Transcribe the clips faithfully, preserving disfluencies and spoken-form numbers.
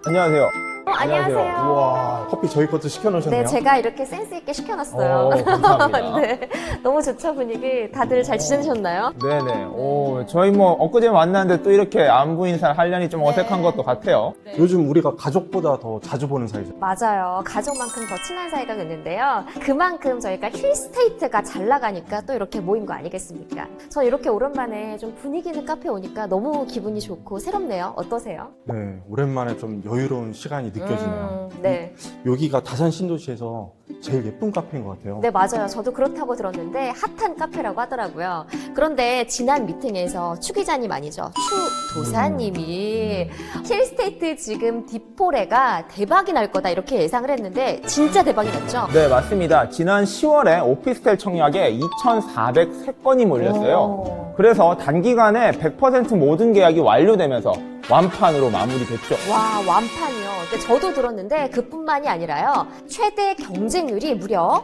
안녕하세요. 어, 안녕하세요. 우와, 커피 저희 것도 시켜놓으셨네요. 네, 제가 이렇게 센스 있게 시켜놨어요. 어, 감사합니다. 네, 너무 좋죠, 분위기. 다들 잘 지내셨나요? 네네. 오, 저희 뭐 엊그제 만났는데 또 이렇게 안부 인사를 하려니 좀 어색한 것도 같아요. 요즘 우리가 가족보다 더 자주 보는 사이죠. 맞아요. 가족만큼 더 친한 사이가 됐는데요. 그만큼 저희가 힐스테이트가 잘 나가니까 또 이렇게 모인 거 아니겠습니까? 저 이렇게 오랜만에 좀 분위기 있는 카페 오니까 너무 기분이 좋고 새롭네요. 어떠세요? 네, 오랜만에 좀 여유로운 시간이 느껴지네요. 음, 네. 여기가 다산 신도시에서 제일 예쁜 카페인 것 같아요. 네, 맞아요. 저도 그렇다고 들었는데 핫한 카페라고 하더라고요. 그런데 지난 미팅에서 추 기자님 아니죠? 추 도사님이 힐스테이트 지금 디포레가 대박이 날 거다 이렇게 예상을 했는데 진짜 대박이 났죠? 네, 맞습니다. 지난 시월에 오피스텔 청약에 이천사백삼 건이 몰렸어요. 오. 그래서 단기간에 백 퍼센트 모든 계약이 완료되면서 완판으로 마무리됐죠. 와, 완판이요. 근데 저도 들었는데 그뿐만이 아니라요. 최대 경쟁률이 무려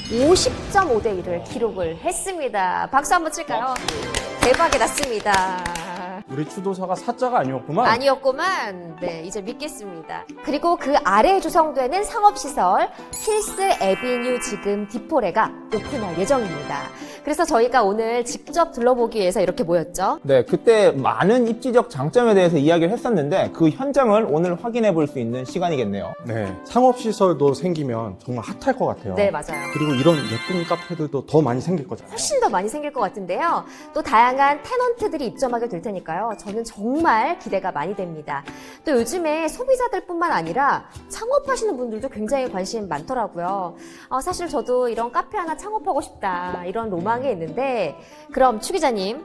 오십 점 오 대 일을 기록을 했습니다. 박수 한번 칠까요? 대박이 났습니다. 우리 추도사가 사자가 아니었구만. 아니었구만. 네, 이제 믿겠습니다. 그리고 그 아래에 조성되는 상업시설 힐스 에비뉴 지금 디포레가 오픈할 예정입니다. 그래서 저희가 오늘 직접 둘러보기 위해서 이렇게 모였죠. 네, 그때 많은 입지적 장점에 대해서 이야기를 했었는데 그 현장을 오늘 확인해 볼 수 있는 시간이겠네요. 네, 상업시설도 생기면 정말 핫할 것 같아요. 네, 맞아요. 그리고 이런 예쁜 카페들도 더 많이 생길 거잖아요. 훨씬 더 많이 생길 것 같은데요. 또 다양한 테넌트들이 입점하게 될 테니까요. 저는 정말 기대가 많이 됩니다. 또 요즘에 소비자들뿐만 아니라 창업하시는 분들도 굉장히 관심 많더라고요. 어, 사실 저도 이런 카페 하나 창업하고 싶다 이런 로망이 있는데 그럼 추 기자님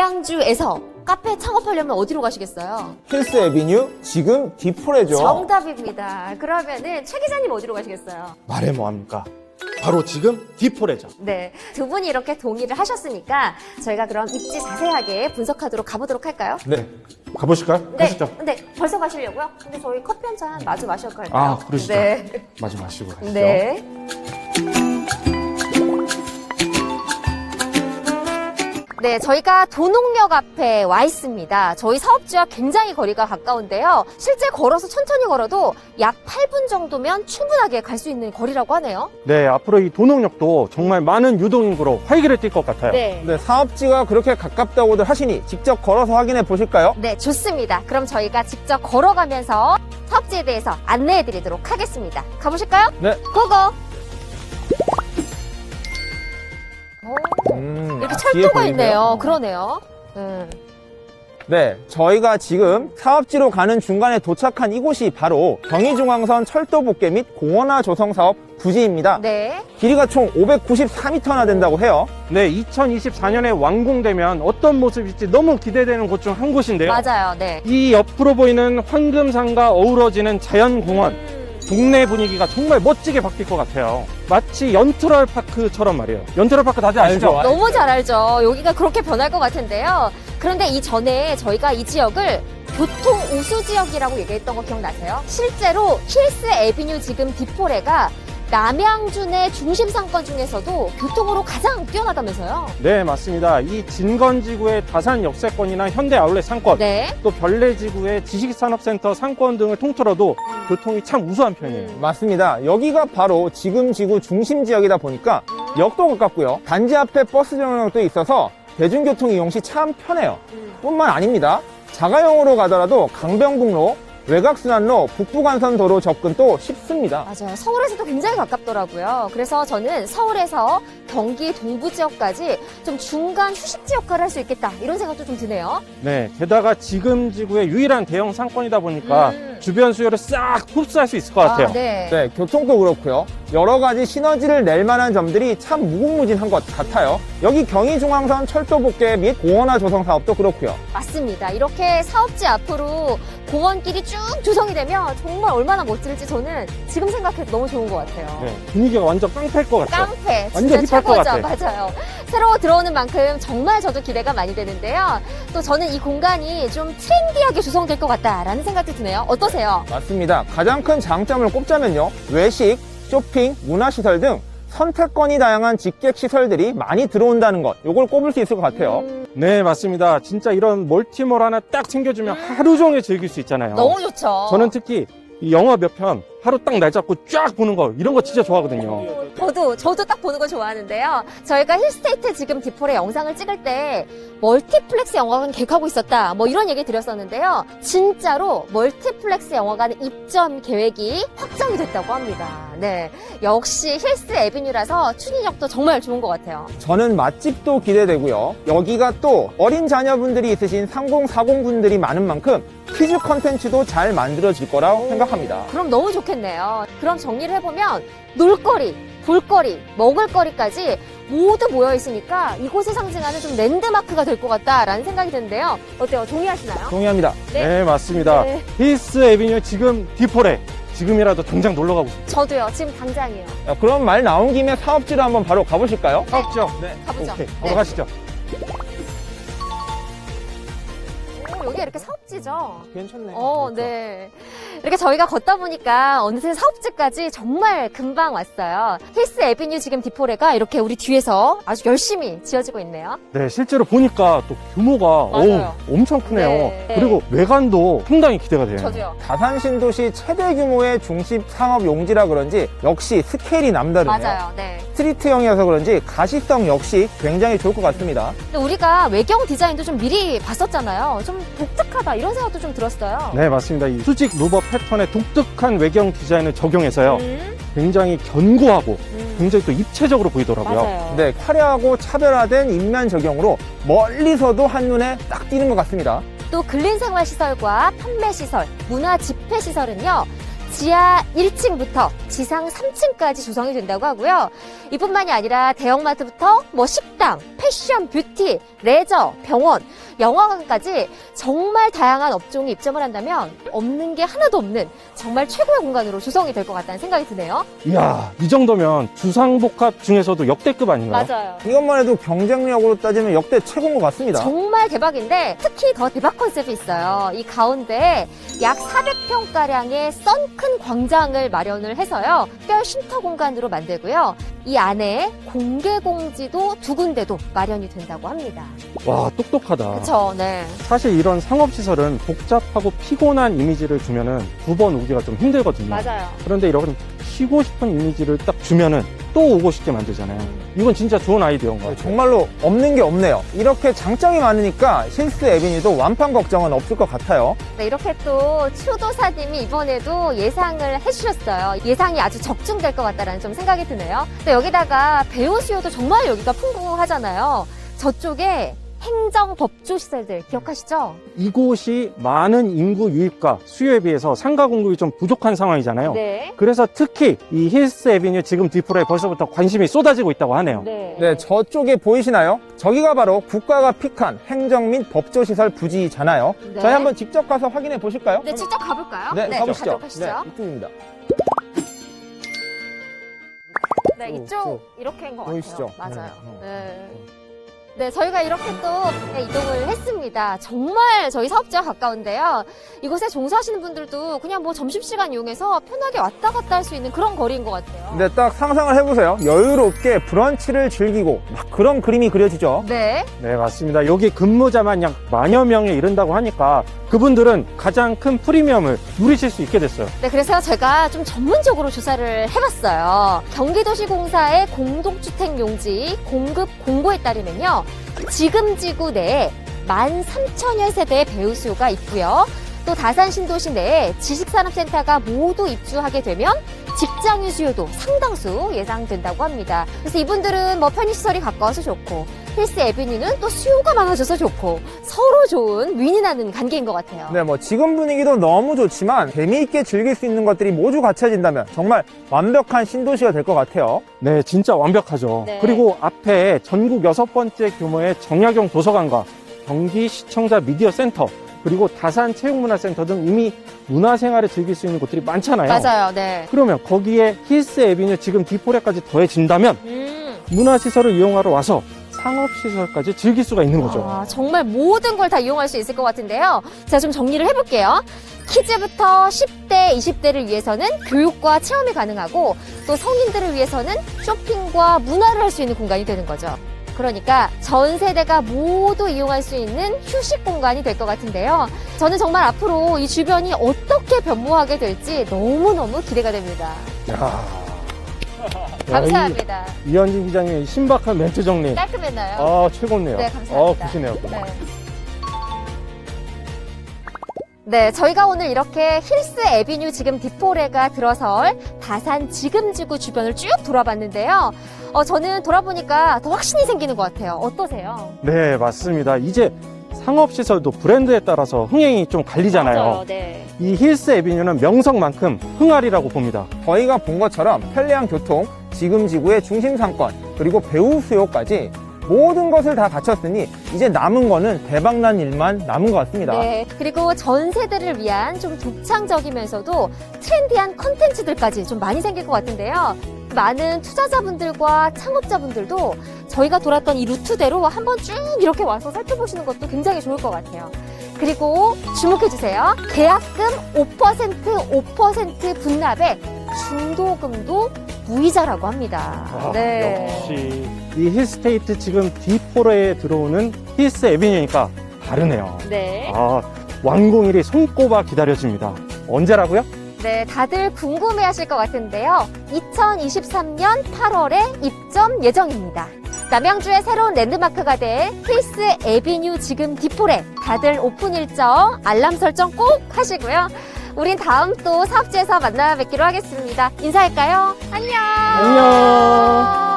남양주에서 카페 창업하려면 어디로 가시겠어요? 힐스 에비뉴 지금 디포레죠. 정답입니다. 그러면은 최 기자님 어디로 가시겠어요? 말해 뭐합니까? 바로 지금 디포레죠. 네, 두 분이 이렇게 동의를 하셨으니까 저희가 그럼 입지 자세하게 분석하도록 가보도록 할까요? 네, 가보실까요? 네, 가시죠. 근데 벌써 가시려고요? 근데 저희 커피 한 잔 마주 마실까요? 아, 그러시죠. 네. 마주 마시고 가시죠. 네. 네, 저희가 도농역 앞에 와 있습니다. 저희 사업지와 굉장히 거리가 가까운데요. 실제 걸어서 천천히 걸어도 약 팔 분 정도면 충분하게 갈 수 있는 거리라고 하네요. 네, 앞으로 이 도농역도 정말 많은 유동인구로 활기를 띨 것 같아요. 네. 네, 사업지가 그렇게 가깝다고들 하시니 직접 걸어서 확인해 보실까요? 네, 좋습니다. 그럼 저희가 직접 걸어가면서 사업지에 대해서 안내해 드리도록 하겠습니다. 가보실까요? 네. 고고! 오, 음, 이렇게 아, 뒤에 철도가 보이네요. 있네요. 그러네요. 음. 네, 저희가 지금 사업지로 가는 중간에 도착한 이곳이 바로 경의중앙선 철도복개 및 공원화 조성 사업 부지입니다. 네. 길이가 총 오백구십사 미터나 된다고 해요. 네, 이천이십사 년에 완공되면 어떤 모습일지 너무 기대되는 곳 중 한 곳인데요. 맞아요. 네. 이 옆으로 보이는 황금산과 어우러지는 자연공원, 동네 분위기가 정말 멋지게 바뀔 것 같아요. 마치 연트럴 파크처럼 말이에요. 연트럴 파크 다들 아시죠? 알죠. 너무 잘 알죠. 여기가 그렇게 변할 것 같은데요. 그런데 이전에 저희가 이 지역을 교통 우수 지역이라고 얘기했던 거 기억나세요? 실제로 힐스 에비뉴 지금 디포레가 남양주 내 중심 상권 중에서도 교통으로 가장 뛰어나다면서요? 네, 맞습니다. 이 진건지구의 다산 역세권이나 현대 아울렛 상권, 네. 또 별내지구의 지식산업센터 상권 등을 통틀어도 교통이 참 우수한 편이에요. 맞습니다. 여기가 바로 지금 지구 중심 지역이다 보니까 역도 가깝고요. 단지 앞에 버스 정류장도 있어서 대중교통 이용 시 참 편해요. 뿐만 아닙니다. 자가용으로 가더라도 강변북로, 외곽순환로, 북부간선 도로 접근도 쉽습니다. 맞아요. 서울에서도 굉장히 가깝더라고요. 그래서 저는 서울에서 경기 동부 지역까지 좀 중간 휴식지 역할을 할 수 있겠다 이런 생각도 좀 드네요. 네, 게다가 지금 지구의 유일한 대형 상권이다 보니까 음. 주변 수요를 싹 흡수할 수 있을 것 같아요. 아, 네. 네, 교통도 그렇고요. 여러 가지 시너지를 낼 만한 점들이 참 무궁무진한 것 같아요. 여기 경의중앙선 철도 복개 및 공원화 조성 사업도 그렇고요. 맞습니다. 이렇게 사업지 앞으로 공원길이 쭉 조성이 되면 정말 얼마나 멋질지 저는 지금 생각해도 너무 좋은 것 같아요. 네, 분위기가 완전 깡패일 것 같아요. 깡패 완전 진짜 힙할 것 최고죠. 같아. 맞아요. 새로 들어오는 만큼 정말 저도 기대가 많이 되는데요. 또 저는 이 공간이 좀 트렌디하게 조성될 것 같다라는 생각도 드네요. 어떠세요? 맞습니다. 가장 큰 장점을 꼽자면요. 외식, 쇼핑, 문화시설 등 선택권이 다양한 직객 시설들이 많이 들어온다는 것, 요걸 꼽을 수 있을 것 같아요. 음, 네, 맞습니다. 진짜 이런 멀티몰 하나 딱 챙겨주면 하루 종일 즐길 수 있잖아요. 너무 좋죠. 저는 특히 이 영화 몇 편 하루 딱 날 잡고 쫙 보는 거 이런 거 진짜 좋아하거든요. 저도 저도 딱 보는 거 좋아하는데요. 저희가 힐스테이트 지금 디폴의 영상을 찍을 때 멀티플렉스 영화관 계획하고 있었다. 뭐 이런 얘기 드렸었는데요. 진짜로 멀티플렉스 영화관 입점 계획이 확정이 됐다고 합니다. 네, 역시 힐스 에비뉴라서 추진력도 정말 좋은 것 같아요. 저는 맛집도 기대되고요. 여기가 또 어린 자녀분들이 있으신 삼십, 사십 분들이 많은 만큼 퀴즈 컨텐츠도 잘 만들어질 거라고 생각합니다. 그럼 너무 좋겠네요. 그럼 정리를 해보면 놀거리, 볼거리, 먹을거리까지 모두 모여 있으니까 이곳을 상징하는 좀 랜드마크가 될 것 같다라는 생각이 드는데요. 어때요? 동의하시나요? 동의합니다. 네. 네, 맞습니다. 네. 힐스 에비뉴 지금 디폴에 지금이라도 당장 놀러 가고 싶어요. 저도요. 지금 당장이에요. 자, 그럼 말 나온 김에 사업지로 한번 바로 가보실까요? 사업죠? 네. 가보죠. 오케이, 네. 바로 가시죠. 오, 여기 이렇게 사업지죠? 괜찮네요. 어, 그렇죠. 네. 이렇게 저희가 걷다 보니까 어느새 사업지까지 정말 금방 왔어요. 힐스 에비뉴 지금 디폴레가 이렇게 우리 뒤에서 아주 열심히 지어지고 있네요. 네, 실제로 보니까 또 규모가 맞아요. 어우, 엄청 크네요. 네. 그리고 외관도 상당히 기대가 돼요. 저도요. 다산 신도시 최대 규모의 중심 상업 용지라 그런지 역시 스케일이 남다르네요. 맞아요. 네. 스트리트형이어서 그런지 가시성 역시 굉장히 좋을 것 같습니다. 근데 우리가 외경 디자인도 좀 미리 봤었잖아요. 좀 독특하다 이런 생각도 좀 들었어요. 네, 맞습니다. 이 수직 루버 패턴의 독특한 외경 디자인을 적용해서요. 음, 굉장히 견고하고 음. 굉장히 또 입체적으로 보이더라고요. 맞아요. 네, 화려하고 차별화된 인면 적용으로 멀리서도 한눈에 딱 띄는 것 같습니다. 또 근린생활시설과 판매시설, 문화집회시설은요. 지하 일 층부터 지상 삼 층까지 조성이 된다고 하고요. 이뿐만이 아니라 대형마트부터 뭐 식당, 패션, 뷰티, 레저, 병원, 영화관까지 정말 다양한 업종이 입점을 한다면 없는 게 하나도 없는 정말 최고의 공간으로 조성이 될 것 같다는 생각이 드네요. 이야, 이 정도면 주상복합 중에서도 역대급 아닌가요? 맞아요. 이것만 해도 경쟁력으로 따지면 역대 최고인 것 같습니다. 정말 대박인데 특히 더 대박 컨셉이 있어요. 이 가운데에 약 사백 평가량의 썬큰 광장을 마련을 해서요. 특별 쉼터 공간으로 만들고요. 이 안에 공개 공지도 두 군데도 마련이 된다고 합니다. 와, 똑똑하다. 그쵸, 네. 사실 이런 상업시설은 복잡하고 피곤한 이미지를 주면은 두 번 오기가 좀 힘들거든요. 맞아요. 그런데 이런 쉬고 싶은 이미지를 딱 주면은 또 오고 싶게 만들잖아요. 이건 진짜 좋은 아이디어인 것 네, 같아요. 정말로 없는 게 없네요. 이렇게 장점이 많으니까 힐스 에비뉴도 완판 걱정은 없을 것 같아요. 네, 이렇게 또 추도사님이 이번에도 예상을 해주셨어요. 예상이 아주 적중될 것 같다라는 좀 생각이 드네요. 또 여기다가 배우 수요도 정말 여기가 풍부하잖아요. 저쪽에 행정 법조 시설들 기억하시죠? 이곳이 많은 인구 유입과 수요에 비해서 상가 공급이 좀 부족한 상황이잖아요. 네. 그래서 특히 이 힐스 에비뉴 지금 디폴에 벌써부터 관심이 쏟아지고 있다고 하네요. 네. 네, 저쪽에 보이시나요? 저기가 바로 국가가 픽한 행정 및 법조시설 부지잖아요. 네. 저희 한번 직접 가서 확인해 보실까요? 네, 직접 가볼까요? 네, 가보시죠. 가도록 하시죠. 네, 이쪽입니다. 네, 쭉, 이쪽 쭉. 이렇게인 것 보이시죠? 같아요. 맞아요. 네, 네. 네, 저희가 이렇게 또 네, 이동을 했습니다. 정말 저희 사업지와 가까운데요. 이곳에 종사하시는 분들도 그냥 뭐 점심시간 이용해서 편하게 왔다 갔다 할 수 있는 그런 거리인 것 같아요. 네, 딱 상상을 해보세요. 여유롭게 브런치를 즐기고 막 그런 그림이 그려지죠. 네. 네, 맞습니다. 여기 근무자만 약 만여 명에 이른다고 하니까 그분들은 가장 큰 프리미엄을 누리실 수 있게 됐어요. 네, 그래서 제가 좀 전문적으로 조사를 해봤어요. 경기도시공사의 공동주택 용지 공급 공고에 따르면요. 지금 지구 내에 만 삼천여 세대의 배우 수요가 있고요. 또 다산 신도시 내에 지식산업센터가 모두 입주하게 되면 직장인 수요도 상당수 예상된다고 합니다. 그래서 이분들은 뭐 편의시설이 가까워서 좋고 힐스 에비뉴는 또 수요가 많아져서 좋고 서로 좋은 윈윈하는 관계인 것 같아요. 네, 뭐 지금 분위기도 너무 좋지만 재미있게 즐길 수 있는 것들이 모두 갖춰진다면 정말 완벽한 신도시가 될 것 같아요. 네, 진짜 완벽하죠. 네. 그리고 앞에 전국 여섯 번째 규모의 정약용 도서관과 경기 시청자 미디어 센터 그리고 다산 체육문화센터 등 이미 문화생활을 즐길 수 있는 곳들이 많잖아요. 맞아요. 네. 그러면 거기에 힐스 에비뉴 지금 디폴에까지 더해진다면 음. 문화시설을 이용하러 와서 상업시설까지 즐길 수가 있는 거죠. 아, 정말 모든 걸 다 이용할 수 있을 것 같은데요. 자, 좀 정리를 해볼게요. 키즈부터 십 대, 이십 대를 위해서는 교육과 체험이 가능하고 또 성인들을 위해서는 쇼핑과 문화를 할 수 있는 공간이 되는 거죠. 그러니까 전 세대가 모두 이용할 수 있는 휴식 공간이 될 것 같은데요. 저는 정말 앞으로 이 주변이 어떻게 변모하게 될지 너무너무 기대가 됩니다. 야. 감사합니다. 이, 이현진 기자님의 신박한 멘트 정리. 깔끔했나요? 아, 최고네요. 네, 감사합니다. 어, 보시네요. 네. 네, 저희가 오늘 이렇게 힐스 에비뉴 지금 디포레가 들어설 다산 지금지구 주변을 쭉 돌아봤는데요. 어, 저는 돌아보니까 더 확신이 생기는 것 같아요. 어떠세요? 네, 맞습니다. 이제 상업시설도 브랜드에 따라서 흥행이 좀 갈리잖아요. 맞아요, 네. 이 힐스 에비뉴는 명성만큼 흥할이라고 봅니다. 저희가 본 것처럼 편리한 교통, 지금 지구의 중심 상권, 그리고 배우 수요까지 모든 것을 다 갖췄으니 이제 남은 거는 대박난 일만 남은 것 같습니다. 네, 그리고 전 세대를 위한 좀 독창적이면서도 트렌디한 컨텐츠들까지 좀 많이 생길 것 같은데요. 많은 투자자분들과 창업자분들도 저희가 돌았던 이 루트대로 한번 쭉 이렇게 와서 살펴보시는 것도 굉장히 좋을 것 같아요. 그리고 주목해주세요. 계약금 오 퍼센트, 오 퍼센트 분납에 중도금도 무이자라고 합니다. 아, 네. 역시 이 힐스테이트 지금 디포레에 들어오는 힐스 에비뉴니까 다르네요. 네. 아, 완공일이 손꼽아 기다려집니다. 언제라고요? 네, 다들 궁금해 하실 것 같은데요. 이천이십삼 년 팔월에 입점 예정입니다. 남양주의 새로운 랜드마크가 될 힐스 에비뉴 지금 디포레. 다들 오픈 일정, 알람 설정 꼭 하시고요. 우린 다음 또 사업지에서 만나 뵙기로 하겠습니다. 인사할까요? 안녕! 안녕!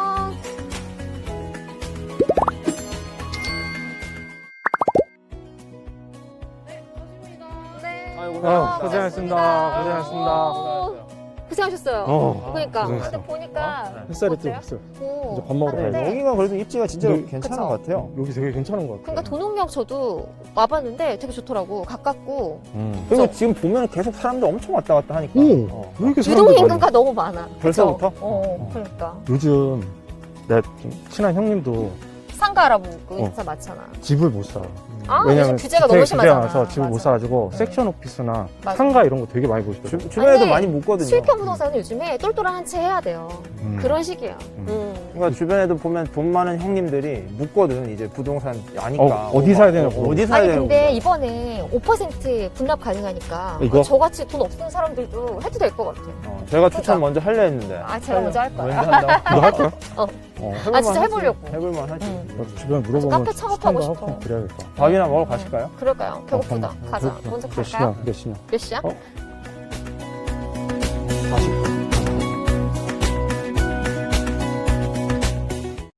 네. 아, 고생하셨습니다. 고생하셨습니다. 오, 고생하셨어요. 어, 그러니까 고생했어. 근데 보니까 햇살이 어때요? 뜨고 오. 이제 밥 먹으러 네. 가야 돼. 여기가 그래도 입지가 진짜 네. 괜찮은 그쵸. 것 같아요. 여기 되게 괜찮은 것 같아요. 그러니까 도농역 저도 와봤는데 되게 좋더라고. 가깝고 음. 그리고 그쵸. 지금 보면 계속 사람들 엄청 왔다 갔다 하니까. 오, 어. 왜 이렇게 유동 사람들이 많이 인구가 너무 많아. 벌써부터? 그쵸? 어, 그러니까 요즘 내 좀 친한 형님도 상가 알아보고 어. 인사 많잖아. 집을 못 사. 아, 왜냐면 요즘 규제가 주택 너무 심하잖아. 규제가 집을 못 맞아. 사가지고 네. 섹션 오피스나 맞아. 상가 이런 거 되게 많이 보시더라고요. 주, 주변에도 아니, 많이 묻거든요. 수익형 부동산은 요즘에 똘똘한 한 채 해야 돼요. 음. 그런 식이에요. 음. 음. 그러니까 주변에도 보면 돈 많은 형님들이 묻거든. 이제 부동산 아니까. 어, 어디 사야 되냐고. 어, 어디 사야 아니 되냐고. 근데 이번에 오 퍼센트 분납 가능하니까 이거? 저같이 돈 없는 사람들도 해도 될 것 같아요. 어, 제가 추천 그러니까. 먼저 하려 했는데. 아, 제가 먼저 할 거예요. 먼저 한다고? 너 할 거야? 어. 어, 아, 진짜 해볼만 해보려고. 하지. 해볼만 하지. 음. 어, 주변에 물어보면 카페 창업하고 추천도 싶어. 하고 그래야겠다. 밥이나 먹으러 가실까요? 그럴까요? 배고프다. 어, 가자. 배고프다. 먼저 몇 갈까요? 시냐? 몇 시냐? 몇 시야? 어?